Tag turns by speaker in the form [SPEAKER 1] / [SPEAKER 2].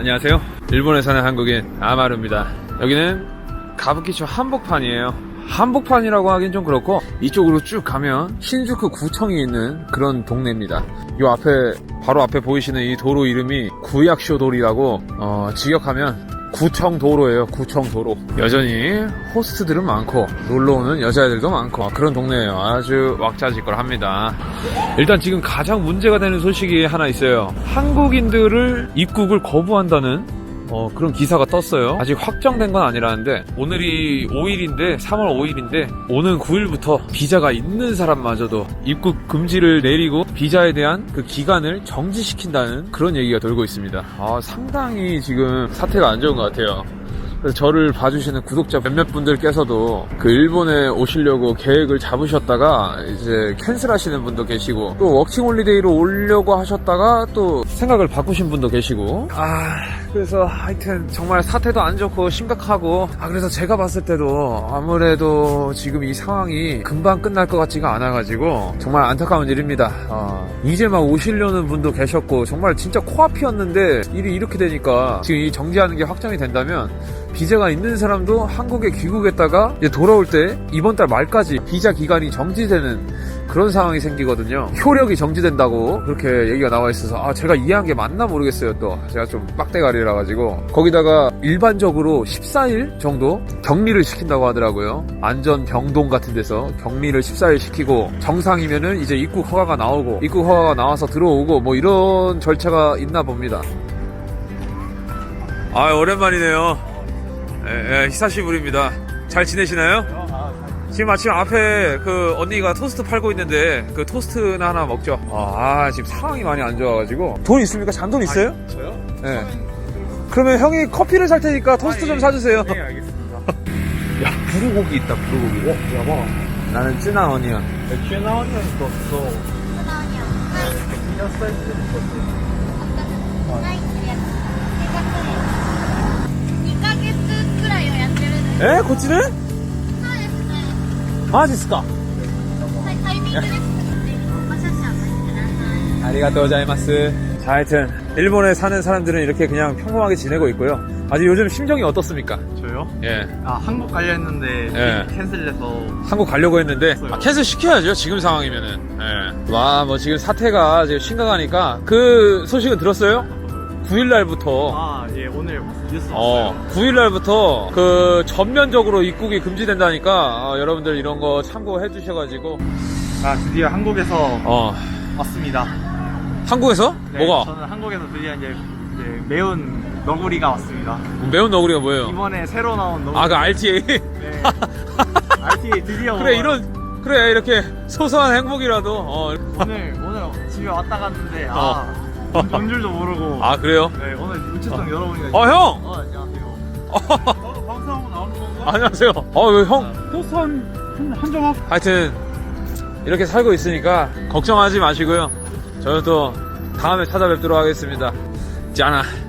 [SPEAKER 1] 안녕하세요. 일본에 사는 한국인 아마루입니다. 여기는 가부키초 한복판이에요. 한복판이라고 하긴 좀 그렇고 이쪽으로 쭉 가면 신주쿠 구청이 있는 그런 동네입니다. 요 앞에 바로 앞에 보이시는 이 도로 이름이 구약쇼도리라고 직역하면 구청도로예요. 구청도로. 여전히 호스트들은 많고 놀러오는 여자애들도 많고 그런 동네예요. 아주 왁자지껄합니다. 일단 지금 가장 문제가 되는 소식이 하나 있어요. 한국인들을 입국을 거부한다는 그런 기사가 떴어요. 아직 확정된 건 아니라는데 오늘이 5일인데 3월 5일인데 오는 9일부터 비자가 있는 사람마저도 입국 금지를 내리고 비자에 대한 그 기간을 정지시킨다는 그런 얘기가 돌고 있습니다. 상당히 지금 사태가 안 좋은 것 같아요. 그래서 저를 봐주시는 구독자 몇몇 분들께서도 그 일본에 오시려고 계획을 잡으셨다가 이제 캔슬하시는 분도 계시고 또 워킹홀리데이로 오려고 하셨다가 또 생각을 바꾸신 분도 계시고 그래서 하여튼 정말 사태도 안 좋고 심각하고 그래서 제가 봤을 때도 아무래도 지금 이 상황이 금방 끝날 것 같지가 않아가지고 정말 안타까운 일입니다. 이제 막 오시려는 분도 계셨고 정말 진짜 코앞이었는데 일이 이렇게 되니까 지금 이 정지하는 게 확정이 된다면 비자가 있는 사람도 한국에 귀국했다가 이제 돌아올 때 이번 달 말까지 비자 기간이 정지되는 그런 상황이 생기거든요. 효력이 정지된다고 그렇게 얘기가 나와 있어서 제가 이해한 게 맞나 모르겠어요. 또 제가 좀 빡대가리라 가지고 거기다가 일반적으로 14일 정도 격리를 시킨다고 하더라고요. 안전병동 같은 데서 격리를 14일 시키고 정상이면은 이제 입국 허가가 나오고 입국 허가가 나와서 들어오고 뭐 이런 절차가 있나 봅니다. 오랜만이네요. 히사시부리입니다. 잘 지내시나요? 지금 마침 앞에 그 언니가 토스트 팔고 있는데 그 토스트나 하나 먹죠. 지금 상황이 많이 안 좋아가지고. 돈 있습니까? 잔돈 있어요?
[SPEAKER 2] 저요?
[SPEAKER 1] 네. 그러면 형이 커피를 살 테니까 토스트 좀 사주세요.
[SPEAKER 2] 네, 알겠습니다.
[SPEAKER 1] 야, 부르고기 있다, 부르고기.
[SPEAKER 2] 야봐.
[SPEAKER 1] 나는 쯔나 어니언.
[SPEAKER 2] 큐나오니언 있었어. 피자 사이즈 있었어.
[SPEAKER 3] 2ヶ月くらいはやってるんです。
[SPEAKER 1] 에? 고치는?
[SPEAKER 3] そうですね。
[SPEAKER 1] 마지스까?
[SPEAKER 3] はい、タイミングです。お写真お待ちください。
[SPEAKER 1] 아리가토자이마스. 자, 하여튼 일본에 사는 사람들은 이렇게 그냥 평범하게 지내고 있고요. 아직 요즘 심정이 어떻습니까?
[SPEAKER 2] 저요?
[SPEAKER 1] 예.
[SPEAKER 2] 한국 가려 했는데
[SPEAKER 1] 예.
[SPEAKER 2] 캔슬해서.
[SPEAKER 1] 한국 가려고 했는데 캔슬 시켜야죠. 지금 상황이면은. 예. 뭐 지금 사태가 지금 심각하니까 그 소식은 들었어요? 9일날부터
[SPEAKER 2] 예, 오늘 뉴스 봤어요.
[SPEAKER 1] 9일날부터 그 전면적으로 입국이 금지된다니까 여러분들 이런 거 참고해 주셔가지고.
[SPEAKER 2] 드디어 한국에서 왔습니다.
[SPEAKER 1] 한국에서?
[SPEAKER 2] 네,
[SPEAKER 1] 뭐가?
[SPEAKER 2] 저는 한국에서 드디어 이제 매운 너구리가 왔습니다.
[SPEAKER 1] 매운 너구리가 뭐예요?
[SPEAKER 2] 이번에 새로 나온 너구리.
[SPEAKER 1] 그 RTA?
[SPEAKER 2] 네. RTA 드디어
[SPEAKER 1] 그래 그래 이렇게 소소한 행복이라도
[SPEAKER 2] 오늘 집에 왔다 갔는데 온 줄도 모르고.
[SPEAKER 1] 그래요?
[SPEAKER 2] 네, 오늘 우체통 열어보니까.
[SPEAKER 1] 형!
[SPEAKER 2] 안녕하세요. 방송하고 나오는 건가?
[SPEAKER 1] 안녕하세요. 왜 형?
[SPEAKER 2] 토스트 한 점업.
[SPEAKER 1] 하여튼 이렇게 살고 있으니까 걱정하지 마시고요. 저는 또 다음에 찾아뵙도록 하겠습니다. 짠아.